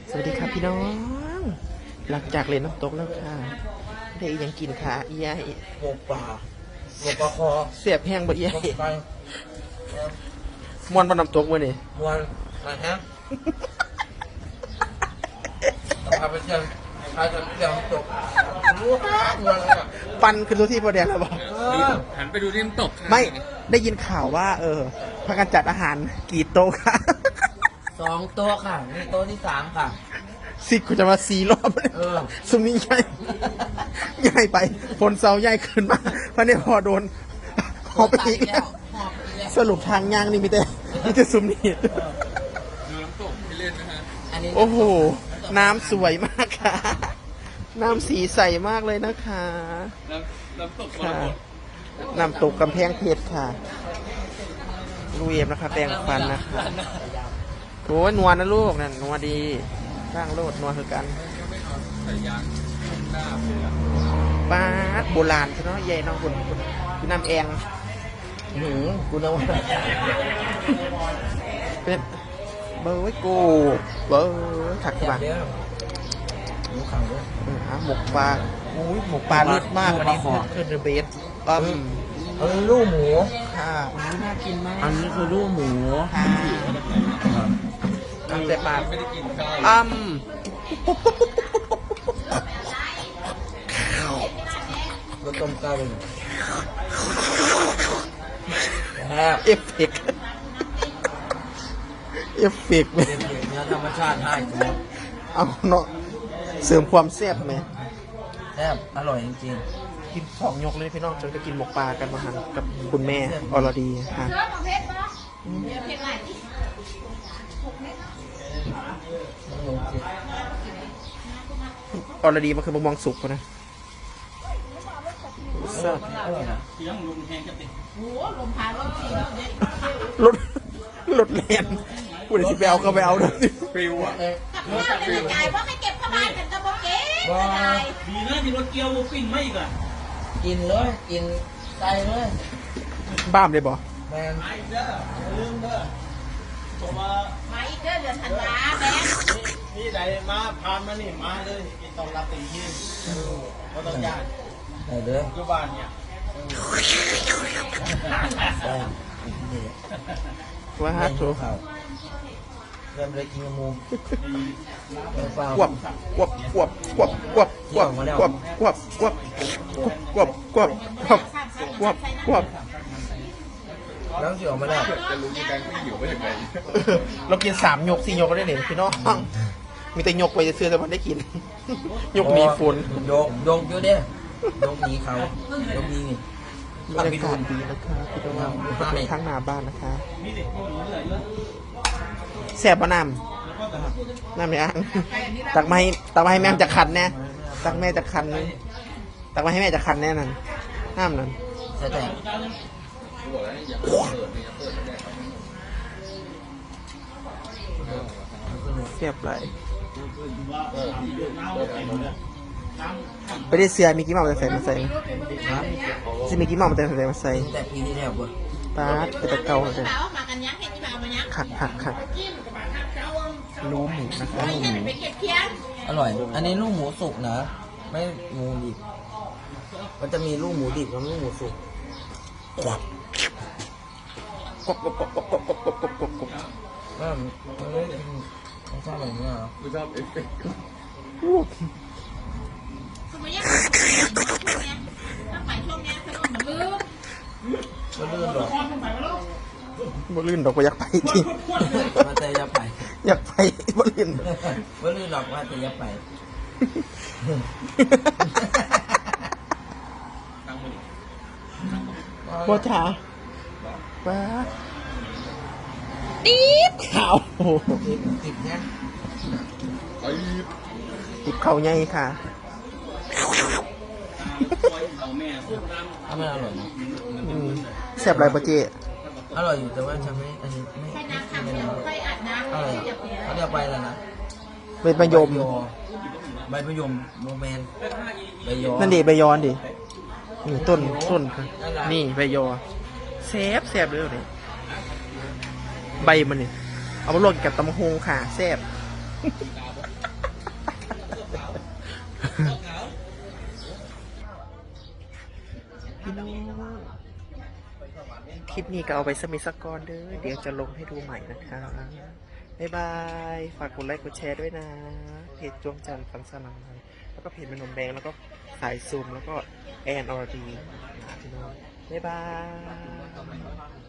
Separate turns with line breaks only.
สวัสดีครับพี่น้องหลังจากเล่นน้ำตกแล้วค่ะได้ยังกินขาอีใหญ่
หมกปลาหมกปลาคอ
เสียบแห้งบ่ใหญ่
หมกไก่
มวนบนน้ำตกมื้อนี่
มวนอะไรฮะพาไปเที่ยวพาไปเที่ยวน้ำตกรู้ฮะมวนอะไรอ่ะ
ปันขึ้นตัวที่พอแดงแล้วบ่
หันไปดูที่น้ำตกค่ะ
ไม่ได้ยินข่าวว่าพากันจัดอาหารกี่โต๊ะค่ะ
2 โต๊ะค่ะนี่โต๊ะที่ 3 ค่ะ
สิคุณจะมา4 รอบเลย
เออ
ซุมนี้ใหญ่ใหญ่ไปฝนเซาใหญ่ขึ้นมาเพราะเนี่ยพอโดนหอบไปอีกแล้ว
หอบไปแล้ว
สรุปทางย่างนี่มีแต่ซุมนี้
ดูน้ำตกที่เล่นนะฮะ
อันนี้
โอ้โห น้ำสวยมากค่ะ น้ำสีใสมากเลยนะคะ
น้ำตกมร
ค่ะ
กต
น้ำตกกำแพงเพชรค่ะลูกเอมนะคะแปรงฟันนะคะโอ้ยนัวนะลูกนั่นนัวดีร่างโลดนัวคือกัน
ใส่ยางหน้าเลยอะ
ป้าดโบราณใช่เนาะใหญ่เน้องคุณน้ำแอง
กูนึกว่า
เป็นเบอร์ไว้กูเบอร์ถัก
แบ
มา
บเนี้ยหมูขังด้วย
หมกปลาอุ้ยหมกปลาเลิศมากอันนี้คือเดอะเบส
อันนี้ลูกหมู
ค่ะ
น่ากินมากอันนี้คือลูกหมู
ค่ะทำแต่ปลา
ไม่ได้กินข้าว
รสต้มไก่แอบ
เอฟเฟกต์เอฟเฟกต์ไหม
เนื้อธรรมชาติให้กู
เอาเนาะเสริมความแซ่บไหม
แซ่บอร่อยจริง
กิน2 ยกเลยพี่น้องจนก็กินหมกปลากันมาหันกับคุณแม่อรดีค่ะอรดีมันคือมะม่วงสุกปะนะ
ๆอร่อยนะ
รถรถแลนกูเดี๋ยวสิไปเอาก็ไปเอาเด้อ
ฟิวอ่ะ
จ่ายเพราะให้เก็บเข้าบ้านกันก็บอกเก็บไม่ได้
ดีนะมีรถเกียวปิ้งไม่อีกอ่ะ
กินเลยกินไก่เลย
บ้ามเลยบ่
แมน
ไอ้เด้ออย่าลืมเด้อบอกว่า
มาอีกเดือนธันวาแบงค์
นี่ใดมาผ่านมานี่มาเลยกินตอนรับเต็มที่ก็ต้องยาก
ได้เด้อ
อยู่บ้านเนี่ย
แซ่บนี่
ว่า
เม
ถู
นู
ก
ข้าวเริ่มเลยกินกับหมูเปล่า
ควบควบควบควบควบควบควบควบควบควบควบควบควบควบ
แล้วสิออกมาแล้ว
จะรู้ที่แบงค์ไม่หิวว่าอย่างไร
เรากิน3 ยก 4 ยกก็ได้เนี่ยพี่น้องมีแต่ยกไปจะเสื้อแต่มันได้กิน ยกหนีฝน
โยกอยู่เด้อยกหนีเขายกหนีนี่
บรรยากาศดีนะคะพี่น้องเป็นข้างหน้าบ้านนะคะแสบปะน้ำไม่อ่างตักมาให้แม่จะคันแน่ตักแม่จะคันนึงตักมาให้แม่จะคันแน่นั่นน้ำนั่น
ใช่แต่
เสียบไหลไปได้เสือมีกี่หม้อมาใส่ไหมจะมีกี่หม้อมาใส่มาใส่
แต่ปีที่แล้วบ่
ปาดไปตะเกาเลย
เปล่ามากันยังให้ที่มาเอามายัง
ขักรู้หมูนะคะ
ไม่ใช่ไปเก็บเพี้ยน
อร่อย อันนี้ลูกหมูสุกนะ ไม่หมูดิบมันจะมีลูกหมูดิบกับลูกหมูสุก
กบกบกบกบกบกบกบกบกบกบ
มันไม่กินไม่ชอบแบบนี้เหรอ
ไม่ชอบเอฟเฟกต์
สมัยยังต้องไปช่วงนี้ถนนมันลื่น
มันลื่นหรอก
บ่ลื่นดอกก็อยากไปที่
มันจะยับไป
อยากไปบ่ลื่น
มันลื่นหรอกว่าจะยับไป
ตั้งมือ
บ่จ๋าป้าตีบขาวโอ้โห
ติดเนี่ย
ไอ้
ติบเข่าใหญ่ค่ะ
เอาแม่
ถ้ามันอร่อยนะ
แซ่บไรปะเจ๊
อร่อยอยู่แต่ว่าจะไม่ อันนี้ไม่
ใช้น้ำขัง
ไม่
เดียว
นะ
ค่อยอาบน้ำ
อะไร
เดี๋ยวเพี้ยน
เขาเรียกใบอะไรนะ
เป็นมะยม
ใบมะยมโมแมนใบยอ
นั่นดิใบยอนดินี่ต้นค่ะนี่ใบยอแซ่บเลยเนี่ยใบมันนี่เอามาลวกกับตำบักฮงค่ะแซ่บพี่น้องคลิปนี้ก็เอาไปสมิสกรเด้อเดี๋ยวจะลงให้ดูใหม่นะคะ บ๊ายบาย ฝากกดไลค์กดแชร์ด้วยนะ เพจจวงจันทร์ฟันสลายแล้วก็เพจแม่นมแดงแล้วก็สายซูมแล้วก็แอนอรดีพี่น้อง บ๊ายบาย